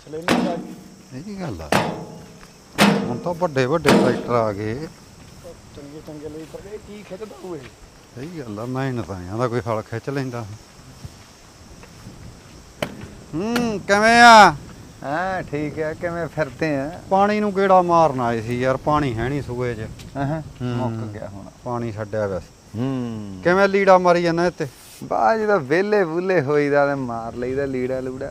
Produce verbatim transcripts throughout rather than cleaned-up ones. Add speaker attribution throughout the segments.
Speaker 1: ਲੈਣੀ ਆ
Speaker 2: ਇਹ ਗੱਲ ਆ ਹੁਣ ਤਾਂ ਵੱਡੇ ਵੱਡੇ ਟਰੈਕਟਰ ਆ ਗਏ
Speaker 1: ਚੰਗੇ ਚੰਗੇ ਲਈ ਪਰ ਇਹ ਕੀ ਖਿੱਚਦਾ ਹੋਏ
Speaker 2: ਸਹੀ ਗੱਲ ਆ ਮਿਹਨਤ ਆਇਆ ਦਾ ਕੋਈ ਹਲ ਖਿੱਚ ਲੈਂਦਾ ਹੂੰ ਕਿਵੇਂ ਆ
Speaker 3: ਹਾਂ ਠੀਕ ਹੈ ਕਿਵੇਂ ਫਿਰਦੇ ਆ
Speaker 2: ਪਾਣੀ ਨੂੰ ਕਿਹੜਾ ਮਾਰਨ ਆਏ ਸੀ ਯਾਰ ਪਾਣੀ ਹੈ ਨਹੀਂ ਸੂਏ 'ਚ
Speaker 3: ਹਾਂ ਮੁੱਕ ਗਿਆ ਹੁਣ
Speaker 2: ਪਾਣੀ ਛੱਡਿਆ ਵੈਸੇ
Speaker 3: ਹੂੰ
Speaker 2: ਕਿਵੇਂ ਲੀੜਾ ਮਾਰੀ ਜਾਂਦਾ ਇੱਥੇ
Speaker 3: ਬਾਅਦ ਜਦੋਂ ਵਿਹਲੇ ਵੁੱਲੇ ਹੋਈਦਾ ਤੇ ਮਾਰ ਲਈਦਾ ਲੀੜਾ ਲੂੜਾ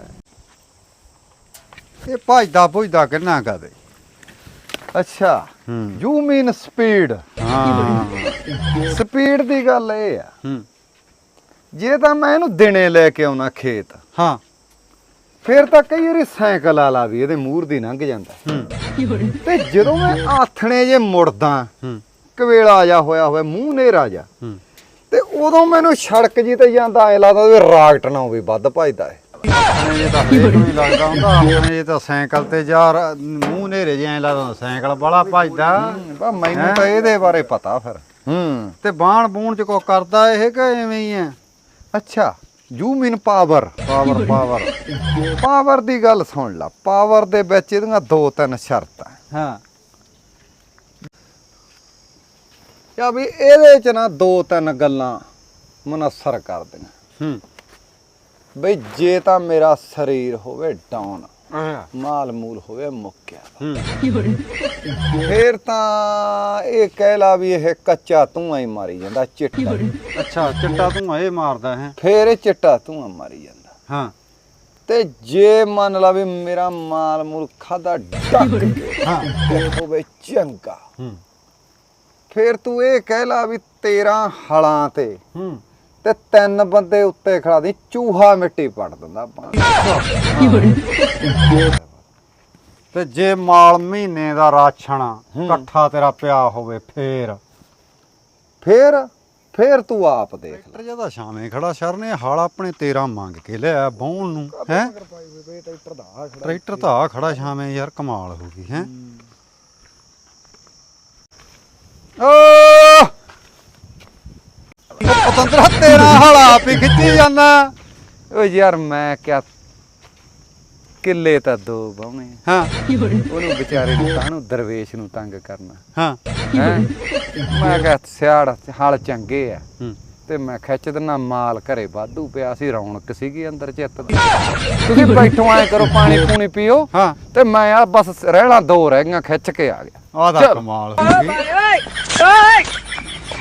Speaker 2: ਇਹ ਭਜਦਾ ਭੁਜਦਾ ਕਿੰਨਾ ਕਦੇ
Speaker 3: ਅੱਛਾ
Speaker 2: ਹੂੰ
Speaker 3: ਯੂ ਮੀਨ ਸਪੀਡ
Speaker 2: ਹਾਂ
Speaker 3: ਸਪੀਡ ਦੀ ਗੱਲ ਇਹ ਆ
Speaker 2: ਹੂੰ
Speaker 3: ਜੇ ਤਾਂ ਮੈਂ ਇਹਨੂੰ ਦਿਨੇ ਲੈ ਕੇ ਆਉਣਾ ਖੇਤ
Speaker 2: ਹਾਂ
Speaker 3: ਫਿਰ ਤਾਂ ਕਈ ਵਾਰੀ ਸਾਈਕਲ ਵਾਲਾ ਵੀ ਇਹਦੇ ਮੂਹਰ ਦੀ ਲੰਘ ਜਾਂਦਾ
Speaker 2: ਹੂੰ
Speaker 3: ਤੇ ਜਦੋਂ ਮੈਂ ਆਥਣੇ ਜੇ ਮੁੜਦਾ
Speaker 2: ਹੂੰ
Speaker 3: ਕਵੇਲਾ ਜਾ ਹੋਇਆ ਹੋਇਆ ਮੂੰਹ ਨੇਰਾ ਜਾ
Speaker 2: ਹੂੰ
Speaker 3: ਤੇ ਉਦੋਂ ਮੈਨੂੰ ਸੜਕ ਜੀ ਤੇ ਜਾਂਦਾ ਐ ਲੱਗਦਾ ਵੀ ਰਾਕਟ ਨਾ ਹੋਵੇ ਵੱਧ ਭਜਦਾ ਏ
Speaker 2: ਆਪਣੇ ਜੇ ਤਾਂ ਹਰੇਕ ਨੂੰ ਹੀ ਲੱਗਦਾ ਹੁੰਦਾ ਆਪਣੇ ਜੇ ਤਾਂ ਸਾਈਕਲ ਤੇ ਯਾਰ ਮੂੰਹ ਨੇਰੇ ਜਿਹਾ ਲੱਗਦਾ ਸਾਈਕਲ ਬੜਾ ਭਜਦਾ
Speaker 3: ਬਾ ਮੈਨੂੰ ਤਾਂ ਇਹਦੇ ਬਾਰੇ ਪਤਾ ਫਿਰ ਹੂੰ
Speaker 2: ਤੇ ਬਾਣ ਬੂਣ ਚ ਕੋ ਕਰਦਾ ਇਹ ਕਿ ਐਵੇਂ ਹੀ ਆ
Speaker 3: ਅੱਛਾ you mean power
Speaker 2: power power
Speaker 3: power ਦੀ ਗੱਲ ਸੁਣ ਲਾ ਪਾਵਰ ਦੇ ਵਿੱਚ ਇਹਦੀਆਂ ਦੋ ਤਿੰਨ ਸ਼ਰਤਾਂ
Speaker 2: ਹਾਂ
Speaker 3: ਯਾ ਵੀ ਇਹਦੇ ਚ ਨਾ ਦੋ ਤਿੰਨ ਗੱਲਾਂ ਮਨਸਰ ਕਰਦੀਆਂ
Speaker 2: ਹੂੰ
Speaker 3: ਬਈ ਜੇ ਤਾਂ ਮੇਰਾ ਸਰੀਰ ਹੋਵੇ ਡਾਊਨ
Speaker 2: ਅੱਛਾ
Speaker 3: ਮਾਲ ਮੂਲ ਹੋਵੇ ਮੁੱਕਿਆ
Speaker 2: ਹੂੰ
Speaker 3: ਫੇਰ ਤਾਂ ਇਹ ਕਹਿ ਲਾ ਵੀ ਇਹ ਕੱਚਾ ਧੂੰਆਂ ਹੀ ਮਾਰੀ ਜਾਂਦਾ ਚਿੱਟਾ
Speaker 2: ਅੱਛਾ ਚਿੱਟਾ ਤੂੰ ਇਹ ਮਾਰਦਾ ਹੈ
Speaker 3: ਫੇਰ ਇਹ ਚਿੱਟਾ ਧੂੰਆਂ ਮਾਰੀ ਜਾਂਦਾ
Speaker 2: ਹਾਂ
Speaker 3: ਤੇ ਜੇ ਮੰਨ ਲਾ ਵੀ ਮੇਰਾ ਮਾਲ ਮੂਲ ਖਾਦਾ ਡੱਕ ਕੇ
Speaker 2: ਹਾਂ
Speaker 3: ਤੇ ਹੋਵੇ ਚੰਗਾ
Speaker 2: ਹੂੰ
Speaker 3: ਫੇਰ ਤੂੰ ਇਹ ਕਹਿ ਲਾ ਵੀ ਤੇਰਾਂ ਹਲਾਂ ਤੇ
Speaker 2: ਹੂੰ
Speaker 3: ਤੇ ਤਿੰਨ ਬੰਦੇ ਉੱਤੇ ਖੜਾ ਦੀ ਚੂਹਾ ਮਿੱਟੀ ਪੜ ਦਿੰਦਾ ਪਾਣੀ
Speaker 2: ਤੇ ਜੇ ਮਾਲ ਮਹੀਨੇ ਦਾ ਰਾਸ਼ਨ ਇਕੱਠਾ ਤੇਰਾ ਪਿਆ ਹੋਵੇ ਫੇਰ
Speaker 3: ਫੇਰ ਫੇਰ ਤੂੰ ਆਪ ਦੇਖ ਲੈ
Speaker 2: ਟਰੈਕਟਰ ਜਿਆਦਾ ਛਾਵੇਂ ਖੜਾ ਸ਼ਰ ਨੇ ਹਾਲ ਆਪਣੇ ਤੇਰਾ ਮੰਗ ਕੇ ਲਿਆ ਬਾਉਣ ਨੂੰ ਹੈ
Speaker 1: ਟਰੈਕਟਰ ਦਾ ਆ ਖੜਾ
Speaker 2: ਟਰੈਕਟਰ ਤਾਂ ਆ ਖੜਾ ਛਾਵੇਂ ਯਾਰ ਕਮਾਲ ਹੋ ਗਈ ਹੈ ਓ ਪਤੰਦਰਾ ਤੇਰਾ ਹਾਲ ਆਪ ਹੀ ਖਿੱਚੀ ਜਾਂਦਾ
Speaker 3: ਓ ਯਾਰ ਮੈਂ ਕਿਆ ਕਿੱਲੇ ਤਾਂ ਦੋ ਬਾਉਣੇ
Speaker 2: ਹਾਂ
Speaker 3: ਉਹਨੂੰ ਵਿਚਾਰੇ ਨੂੰ ਕਾਹਨੂੰ ਦਰਵੇਸ਼ ਨੂੰ ਤੰਗ ਕਰਨਾ
Speaker 2: ਹਾਂ
Speaker 3: ਹੈਂ ਮੈਂ ਕਿਹਾ ਸਿਆੜ ਹਲ ਚੰਗੇ ਆ
Speaker 2: ਹੂੰ
Speaker 3: ਤੇ ਮੈਂ ਖਿੱਚ ਦਿਨਾ ਮਾਲ ਘਰੇ ਵਾਧੂ ਪਿਆ ਸੀ ਰੌਣਕ ਸੀਗੀ ਅੰਦਰ ਚਿੱਤ ਦੀ ਤੁਸੀਂ ਬੈਠੋ ਐ ਕਰੋ ਪਾਣੀ ਪੂਣੀ ਪੀਓ
Speaker 2: ਹਾਂ
Speaker 3: ਤੇ ਮੈਂ ਆ ਬਸ ਰਹਿਣਾ ਦੋ ਰਹਿ ਗਈਆਂ ਖਿੱਚ ਕੇ ਆ ਗਿਆ
Speaker 2: ਆਹ ਦਾ
Speaker 3: ਚੱਲ।
Speaker 2: ਕਮਾਲ ਹੋ ਗਈ